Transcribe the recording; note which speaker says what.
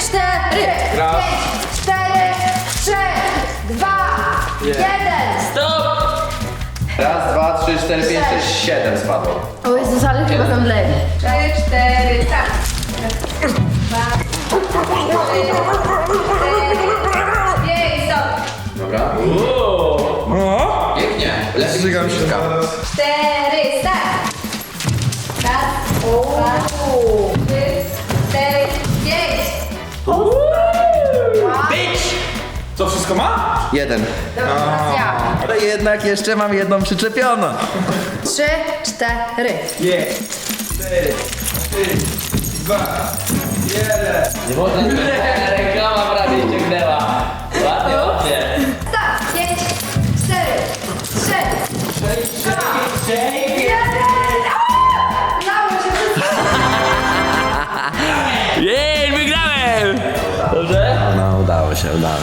Speaker 1: 4,
Speaker 2: Raz.
Speaker 1: 5, 4, 3, 2, 1.
Speaker 3: Stop!
Speaker 2: Raz, dwa, trzy, cztery, pięć, sześć, siedem spadło.
Speaker 1: O Jezus, ale chyba zemdleję.
Speaker 4: 3, 4, tak. 2, 5, stop.
Speaker 2: Dobra.
Speaker 5: O!
Speaker 2: Pięknie. Lepiej
Speaker 5: Zżygam się
Speaker 2: niż
Speaker 5: zaraz.
Speaker 4: 4, start. Raz, dwa, trzy, 4, 5.
Speaker 5: Co, wszystko ma?
Speaker 2: jeden.
Speaker 1: Dobra, teraz ja.
Speaker 2: Ale jednak jeszcze mam jedną przyczepioną.
Speaker 1: 3, 4.
Speaker 5: Jest. 4, 3, 2, 1.
Speaker 3: Nie można. Reklama prawie ściągnęła. Ładnie, ładnie.
Speaker 1: Start. 5, 4, 3, 2, 1. Udało się wszystko.
Speaker 3: Jej, wygrałem! Dobrze?
Speaker 2: No, udało się, udało